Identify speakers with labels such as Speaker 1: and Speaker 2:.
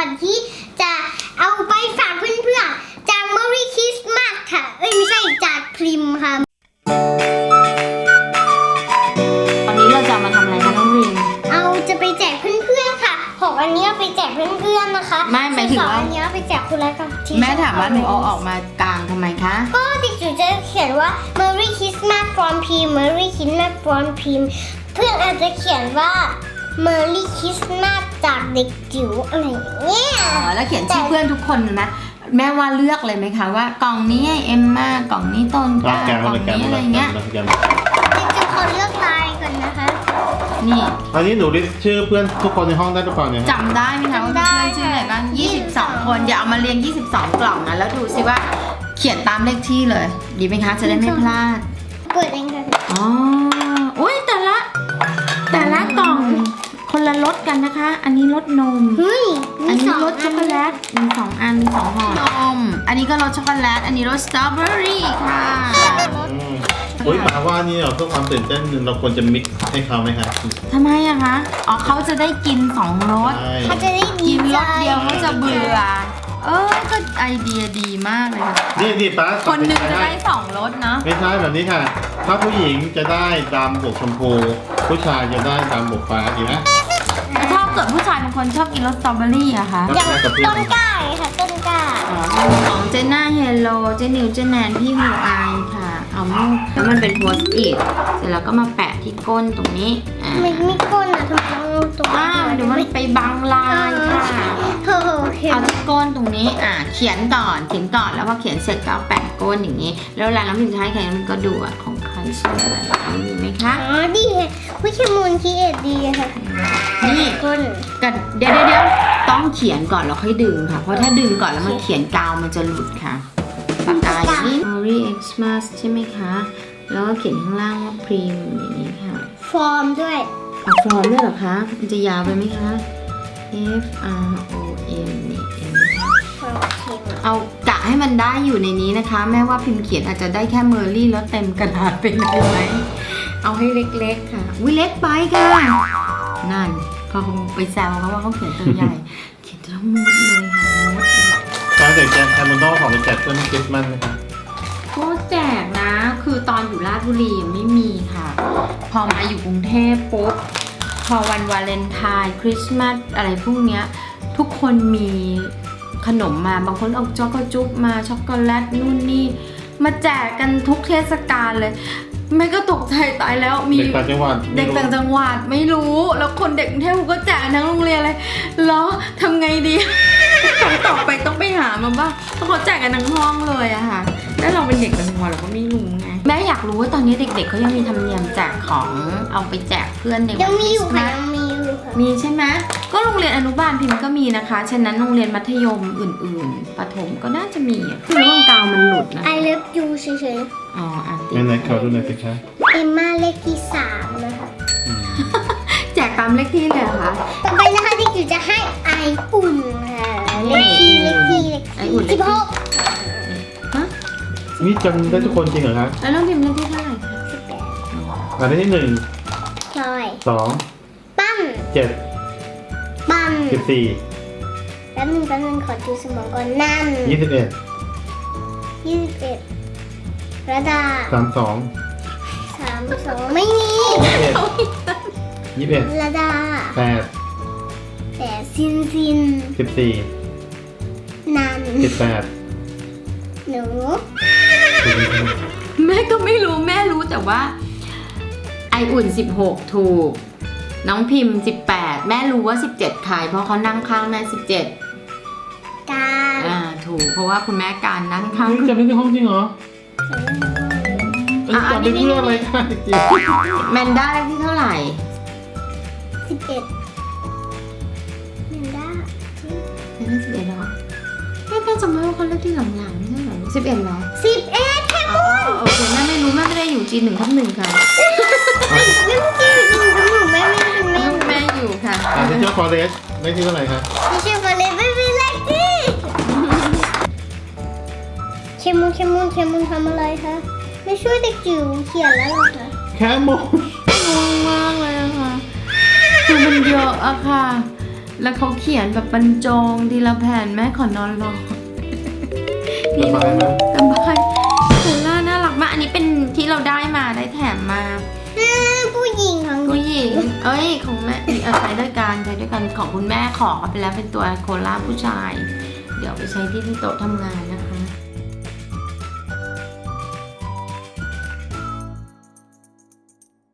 Speaker 1: วัญที่จะเอาไปฝากเพื่อนๆจาก Merry Christmas ค่ะไม่ใช่จากพริมค่ะ
Speaker 2: วันนี้เราจะมาทำอะไรคะน้องริม
Speaker 1: จะไปแจกเพื่อนๆค่ะ6อันนี้เอาไปแจกเพื่อนๆนะคะ
Speaker 2: ไม่หมายถึงว่า
Speaker 1: อันนี้เอาไปแจกคุณแล้วค่ะ
Speaker 2: แม่ถามว่าหนูเอาออกมากลางทำไมคะ
Speaker 1: ก็เด็กจิ๋วจะเขียนว่า Merry Christmas from Pim Merry Christmas from Pim เพื่อนอาจจะเขียนว่า Merry Christmas จากเด็กจิ๋วอะไรอย่างเงี้ย
Speaker 2: แล้วเขียนชื่อเพื่อนทุกคนนะแม่ว่าเลือกเลยไหมคะว่ากล่องนี้เอ็มมากล่องนี้ต้นกล้ากล่องนี้อะไรเงี้ย
Speaker 1: เด็กจิ๋วขอเลือกลายก่อนนะคะ
Speaker 2: นี่
Speaker 3: อันนี้หนูลิสต์ชื่อเพื่อนทุกคนในห้องได้หรือเปล่าเนี่ย
Speaker 2: จำได้ไหมคะว่าเพื่อนชื่ออะไรบ้าง22 คนเดี๋ยวเอามาเรียง22 กล่องนะแล้วดูสิว่าเขียนตามเลขที่เลยดีไหมคะจะได้ไม่พลาด
Speaker 1: เปิดเองค่ะ
Speaker 2: อ๋ออุ้ยแต่ละกล่องคนละรสกันนะคะอันนี้รสนมอันนี้รสช็อกโกแลตมี2 อันมี2 ห่อนมอันนี้ก็รสช็อกโกแลตอันนี้รสสตรอเบอรี่ค่ะ
Speaker 3: อุ้ยหมาว่านี่เพื่อความตื่นเต้นเราควรจะมิกซ์ให้เขาไหมครับ
Speaker 2: ทำไมอะคะอ๋อเขาจะได้กิน2 รส
Speaker 1: เขาจะได้
Speaker 2: กินรสเดียวเขาจะเบื่อก็ไอเดียดีมากเลยค่ะ
Speaker 3: นี่ป้า
Speaker 2: คนหนึ่งจะได้2 รสเนาะ
Speaker 3: ไม่ใช่แบบนี้ค่ะถ้าผู้หญิงจะได้ดำบวกชมพูผู้ชายจะได้ดำบวกฟ้าดีไหม
Speaker 2: ถ้าเกิดผู้ชายบางคนชอบกินรสสตรอเบอรี่อะคะ
Speaker 1: อย่างต้นกล้าค่ะต้นกล้า
Speaker 2: ของเจน่าเฮลโลเจนิวเจแนนพี่ฮูไอค่ะเอามุกแล้วมันเป็นโพสต์อิทเสร็จแล้วก็มาแปะที่ก้นตรงนี้
Speaker 1: ไม่ก้นอะทำไมตรง
Speaker 2: เดี๋ยวมันไปบังลายค่ะเอาที่ก้นตรงนี้เขียนก่อนแล้วพอเขียนเสร็จก็แปะก้นอย่างนี้แล้วเวลาน้ำพิมพ์ใช้ใครมันก็ดูของใครชื่ออะไรมีไหมคะ
Speaker 1: ดีค่ะวิชมูลคีเอทดีค่ะ
Speaker 2: นี่
Speaker 1: ก้น
Speaker 2: กันเดี๋ยวต้องเขียนก่อนแล้วค่อยดึงค่ะเพราะถ้าดึงก่อนแล้วมันเขียนกาวมันจะหลุดค่ะปากกาอย่างนี้ Merry Xmas ใช่ไหมคะแล้วก็เขียนข้างล่างว่า Prim อย่างนี้ค่ะ
Speaker 1: ฟอร์มด้วย
Speaker 2: ฟอร์มด้วยเหรอคะมันจะยาวไปไหมคะ F R O M นี่เองเอากะให้มันได้อยู่ในนี้นะคะแม้ว่าพิมพ์เขียนอาจจะได้แค่เมอร์รี่แล้วเต็มกระดาษไปไหมเอาให้เล็กๆค่ะวิเล็กไปค่ะนั่นเขาคงไปแซวเขาว่าเขาเขียนตัวใหญ่เขียนทั้งหมดเลยค่ะ
Speaker 3: ตอนเด็กแจกแคมโมโน่ของไปแจกเพื่อนคริสต์มาสไหมคะ
Speaker 2: ก็แจกนะคือตอนอยู่ราชบุรียังไม่มีค่ะพอมาอยู่กรุงเทพปุ๊บพอวันวาเลนไทน์คริสต์มาสอะไรพวกเนี้ยทุกคนมีขนมมาบางคนเอาช็อกโกจุ๊บมาช็อกโกแลตนู่นนี่มาแจกกันทุกเทศกาลเลยแม่ก็ตกใจตายแล้วมี
Speaker 3: เด็กต่างจังหวัด
Speaker 2: ไม่รู้แล้วคนเด็กกรุงเทพก็แจกทั้งโรงเรียนเลยแล้วทำไงดีครั้งต่อไปต้องไปหามาบ้างเพราะเขาแจกกันทั้งห้องเลยอะค่ะแล้วเราเป็นเด็กต่างจังหวัดเราก็ไม่รู้ไงแม่อยากรู้ว่าตอนนี้เด็กๆเขายังมีธรรมเนียมแจกของเอาไปแจกเพื่อนในวันคริสต์มาสมีใช่ไหมก็โรงเรียนอนุบาลพิมพ์ก็มีนะคะฉะนั้นโรงเรียนมัธยมอื่นๆประถมก็น่าจะมีคือเรื่องกาวมันหลุดนะ
Speaker 1: I love you เฉย
Speaker 2: ๆอ๋อ
Speaker 3: ไหนขอดูหน่อยสิคะ
Speaker 1: เอมม่าเลขที่3นะคะ
Speaker 2: แจกตามเลขที่เลยเหรอคะ
Speaker 1: ต่อไปนะคะที่จิ๋วจะให้ไออุ่นค่ะเลขที่
Speaker 2: ไออุ่น
Speaker 1: 16
Speaker 2: ฮะ
Speaker 3: นี่จำได้ทุกคนจริงเหรอครับ
Speaker 2: แล้วน้องพิมพ์เลขที่เท่าไหร่คะ
Speaker 3: 18อันที่1
Speaker 1: พลอย
Speaker 3: 2
Speaker 1: ปั้น
Speaker 3: 7
Speaker 1: ปั้น
Speaker 3: 14
Speaker 1: แป๊บนึงขอดูสมองก่อนนั่น21ระดา32ไม่มี
Speaker 3: 21
Speaker 1: ระดา8ซิน
Speaker 3: 14
Speaker 1: นัน
Speaker 3: 18
Speaker 1: หนู
Speaker 2: แม่ก็ไม่รู้แม่รู้แต่ว่าไออุ่น16ถูกน้องพิมพ์18แม่รู้ว่า17ใครเพราะเขานั่งข้างแม่17การถูกเพราะว่าคุณแม่การนั่งข้าง
Speaker 3: จะไม่ในห้องจริงเหรอจำได้เพื่ออะไรคะจริง
Speaker 2: แมนด้าเลขที่เท่าไหร่
Speaker 1: 11แมนด้า
Speaker 2: 11เหรอแม่จำไม่ว่าเขาเลขที่หลังๆไม่ใช่เหรอ11เหรอ
Speaker 1: 11แค่พูด
Speaker 2: โอเคแม่ไม่รู้แม่ไม่ได้อยู่จี1 ทับ 1ค่ะแม่อยู่ค่ะ
Speaker 3: ที่เจ้าฟอเรสเลขที่เท่าไหร่คะ
Speaker 1: ที่เจ้าฟอเรสไม่มีเลขที่เคมูนทำอะไรคะไม่ช่วยเด็กจิ๋วเขียนแล้วหรอคะ
Speaker 3: แค่โมง
Speaker 2: งงมากเลยอะค่ะคือมันเยอะอะค่ะแล้วเขาเขียนแบบบรรจงทีละแผ่นแม่ขอนอนรอ
Speaker 3: สบายไหม
Speaker 2: สบายโคล่าน่ารักมากอันนี้เป็นที่เราได้มาได้แถมมา
Speaker 1: ผู้หญิงของ
Speaker 2: ผู้หญิงเอ้ยของแม่ใช้ด้วยกันของคุณแม่ขอไปแล้วเป็นตัวโคล่าผู้ชาย เดี๋ยวไปใช้ที่โต๊ะทำงานนะคะ